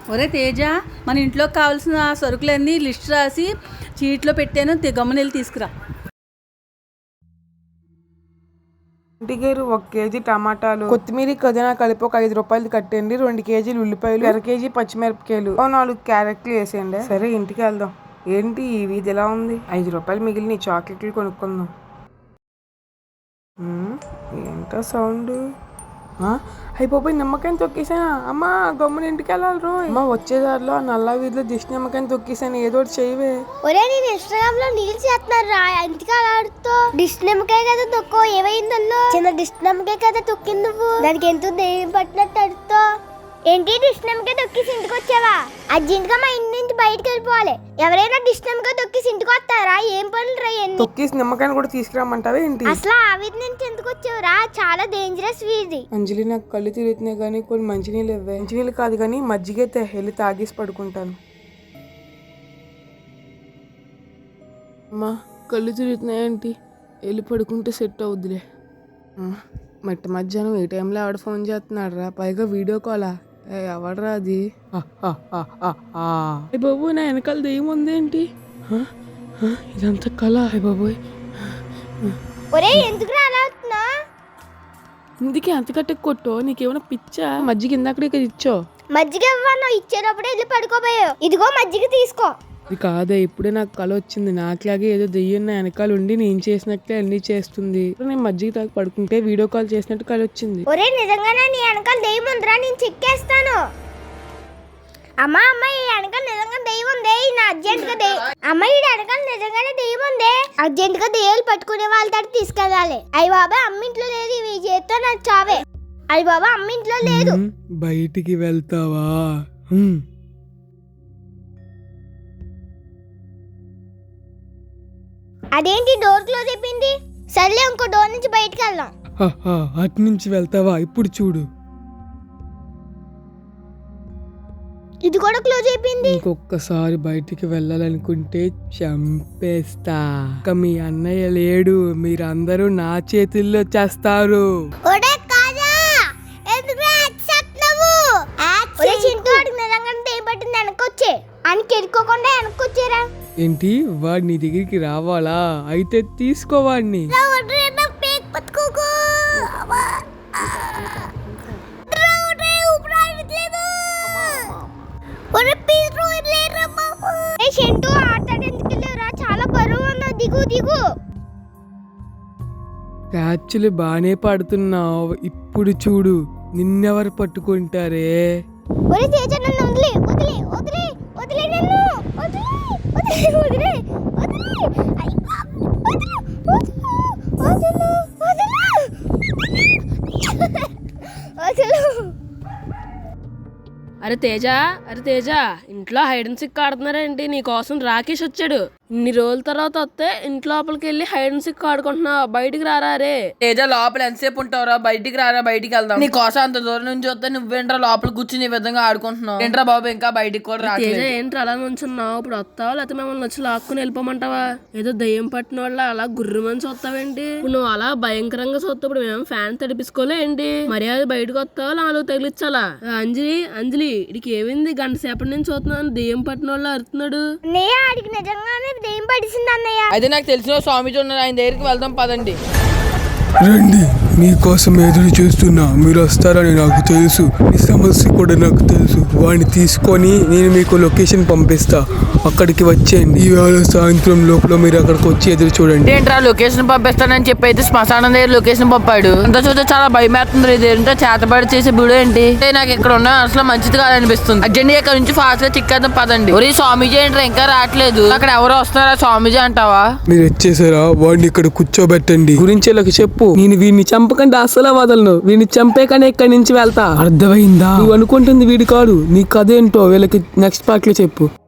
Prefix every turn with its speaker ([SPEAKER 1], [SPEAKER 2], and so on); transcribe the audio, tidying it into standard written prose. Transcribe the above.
[SPEAKER 1] ఒరే తేజ, మన ఇంట్లోకి కావాల్సిన సరుకులన్నీ లిస్ట్ రాసి చీట్లో పెట్టాను, గమ్మునెళ్ళి తీసుకురా.
[SPEAKER 2] ఇంటికేరు 1 కేజీ టమాటాలు, కొత్తిమీర కదినా కలిపి ఒక 5 రూపాయలు కట్టండి. 2 కేజీలు ఉల్లిపాయలు, 1 కేజీ పచ్చిమిరపకాయలు, 4 క్యారెట్లు వేసేయండి. సరే ఇంటికి వెళ్దాం. ఏంటి ఈ వీధి ఎలా ఉంది? 5 రూపాయలు మిగిలిన చాక్లెట్లు కొనుక్కుందాం. ఏంటో సౌండ్? అయిపోయి నిమ్మకాయని తొక్కేసాను. అమ్మా గమ్మున ఇంటికి వెళ్ళాలి రో. అమ్మ వచ్చేదారిలో నల్ల వీధిలో దిష్టి నిమ్మకాయని తొక్కేసాను. ఏదో ఒకటి చేయవే.
[SPEAKER 3] ఒరే నేను ఇన్స్టాగ్రామ్ లో రీల్స్ చేస్తున్నారు రా, ఇంటికి ఆడుతూ దిష్టి నిమ్మకాయ కదా తొక్కో. ఏమైందల్లో? చిన్న దిష్టి నిమ్మకాయ కదా తొక్కింది నువ్వు. దానికి ఎంతో దెయ్యం పట్టినట్టు అడుగుతో. ఏంటి దిష్టి నిమ్మకాయ తొక్కేసి ఇంటికి వచ్చావా? అర్జెంట్గా మా ఇంటి నుంచి బయటకు వెళ్ళిపోవాలి. ఎవరైనా దిష్టి నిమ్మకాయ తొక్కేసి ఇంటికి వస్తారా? ఏం పనులు రా?
[SPEAKER 2] తొక్కేసి నిమ్మకాయని కూడా తీసుకురామంటావా ఏంటి?
[SPEAKER 3] అసలు ఆ వీధి నుంచి ఎందుకు వచ్చావురా? చాలా డేంజరస్ వీధి.
[SPEAKER 2] అంజలి నాకు కళ్ళు తిరుగుతున్నాయి కానీ కొన్ని మంచినీళ్ళు ఇవ్వే. మంచినీళ్ళు కాదు కానీ మజ్జిగైతే వెళ్ళి తాగేసి పడుకుంటాను. అమ్మా కళ్ళు తిరుగుతున్నాయేంటి? వెళ్ళి పడుకుంటే సెట్ అవుద్దిలే. మట్టి మధ్యాహ్నం ఏ టైంలో ఆవిడ ఫోన్ చేస్తున్నాడు రా, పైగా వీడియో కాలా? ఎవడరా అది? బాబు నా వెనకాల దెయ్యం ఉందేంటి? ఇదంతా కళ. బాబోయ్ ఇందుకే అంత కట్టె కొట్టో. నీకేమైనా పిచ్చా? మజ్జిగ ఇందాకడే కదా ఇచ్చో.
[SPEAKER 3] మజ్జిగ ఇవ్వను, ఇచ్చేటప్పుడే వెళ్ళి పడుకోబోయావు. ఇదిగో మజ్జిగ తీసుకో.
[SPEAKER 2] ఇది కాదే, ఇప్పుడే నాకు కళ వచ్చింది. నాకులాగే ఏదో దెయ్యం నా వెనకాల ఉండి నేను చేసినట్టే అన్ని చేస్తుంది. నేను మజ్జిగ తాగి పడుకుంటే వీడియో కాల్ చేసినట్టు కళ వచ్చింది.
[SPEAKER 3] ఒరే నిజంగానే నీ వెనకాల దెయ్యం ఉందిరా, నేను చెక్కేస్తాను. అమ్మా ఈ వెనకాల నిజంగా దెయ్యం ఉంది. నా అర్జెంట్ గా ఈ వెనకాల నిజంగానే దెయ్యం ఉంది. అర్జెంట్ గా దెయ్యాలు పట్టుకునే వాళ్ళ దగ్గర తీసుకెళ్ళాలి. అయ్య బాబా అమ్మ ఇంట్లో లేదు, ఇవి చేస్తే నాకు చావే. అయ్య బాబా అమ్మ ఇంట్లో లేదు.
[SPEAKER 2] బయటికి వెళ్తావా?
[SPEAKER 3] అదేంటి డోర్ క్లోజ్ అయిపోయింది? సర్లే ఇంకో డోర్ నుంచి బయటకు వెళ్దాం.
[SPEAKER 2] అటు నుంచి వెళ్తావా? ఇప్పుడు చూడు,
[SPEAKER 3] ఇది కూడా క్లోజ్ అయిపోయింది.
[SPEAKER 2] ఇంకొకసారి బయటికి వెళ్ళాలనుకుంటే చంపేస్తా. ఇక మీ అన్నయ్య లేడు, మీరందరూ నా చేతుల్లో చేస్తారు. ఏంటి వాడు నీ దగ్గరికి రావాలా? అయితే తీసుకోవాడిని.
[SPEAKER 3] చాలా బరువు ఉన్నా, దిగు.
[SPEAKER 2] క్యాచ్లు బానే పడుతున్నావు. ఇప్పుడు చూడు నిన్నెవరు పట్టుకుంటారే.
[SPEAKER 4] అరే తేజ, ఇంట్లో హైడ్ అండ్ సిక్ ఆడుతున్నారేంటి? నీ కోసం రాకేష్ వచ్చాడు. ఇన్ని రోజుల తర్వాత వస్తే ఇంట్లో లోపలికి వెళ్ళి హైడ్ అండ్ సిక్ ఆడుకుంటున్నావు. బయటికి రారా రే.
[SPEAKER 1] తేజ లోపల ఎంతసేపు ఉంటావురా? బయటికి రారా, బయటికి వెళ్దాం. నీ కోసం అంత దూరం నుంచి వస్తే నువ్వేంట్రా లోపల కూర్చుని ఈ విధంగా ఆడుకుంటున్నావు? ఏంట్రా బాబు ఇంకా బయటికి కూడా రా.
[SPEAKER 4] తేజ ఏంట్రా అలా నుంచున్నావు? ఇప్పుడు వస్తావా లేకపోతే మిమ్మల్ని వచ్చి లాక్కుని వెళ్ళిపోమంటావా? ఏదో దయ్యం పట్టిన వాళ్ళ అలా గుర్రమని చూస్తావేంటి? ఇప్పుడు నువ్వు అలా భయంకరంగా చూస్తావు. ఇప్పుడు మేము ఫ్యాన్ తడిపించుకోలే ఏంటి? మర్యాద బయటకు వస్తావా నాలుగు తగిలించాలా? అంజలి ఇడికి ఏమైంది? గంట సేపటి నుంచి చూస్తున్నాను, దెయ్యం పట్టిన వాళ్ళు అరుతున్నాడు.
[SPEAKER 3] దెయ్యం పడిసింది అన్నయ్య.
[SPEAKER 1] అయితే నాకు తెలిసిన స్వామిజీ ఉన్నారు, ఆయన దగ్గరికి వెళ్దాం పదండి.
[SPEAKER 2] రండి, మీకోసం ఎదురు చూస్తున్నా. మీరు వస్తారని నాకు తెలుసు, మీ సమస్య కూడా నాకు తెలుసు. వాడిని తీసుకొని నేను మీకు లొకేషన్ పంపిస్తా, అక్కడికి వచ్చేయండి. ఈవేళ సాయంత్రం లోపల మీరు అక్కడికి వచ్చి ఎదురు చూడండి.
[SPEAKER 1] ఏంట్రా లొకేషన్ పంపిస్తానని చెప్పి అయితే శ్మశానం దగ్గర లొకేషన్ పంపాడు. అంతా చూస్తే చాలా భయం వేస్తుంది. ఇది ఏంటో చేతబడి చేసే బిడు ఏంటి? నాకు ఇక్కడ ఉన్న అసలు మంచిది కాదనిపిస్తుంది. అర్జెంట్ ఇక్కడ నుంచి ఫాస్ట్ గా చిక్కేద్దాం పదండి. ఒరే స్వామీజీ ఏంట్రా ఇంకా రావట్లేదు? అక్కడ ఎవరు వస్తున్నారా? స్వామీజీ అంటావా?
[SPEAKER 2] మీరు వచ్చేసారా? వాడిని ఇక్కడ కూర్చోబెట్టండి. గురించి చెప్పు. నేను వీడిని చంపకండి అసలు వదలను. వీడిని చంపేకనే ఇక్కడి నుంచి వెళ్తా. అర్థమైందా? నువ్వు అనుకుంటుంది వీడి కాదు. నీ కథ ఏంటో వీళ్ళకి నెక్స్ట్ పార్ట్ లో చెప్పు.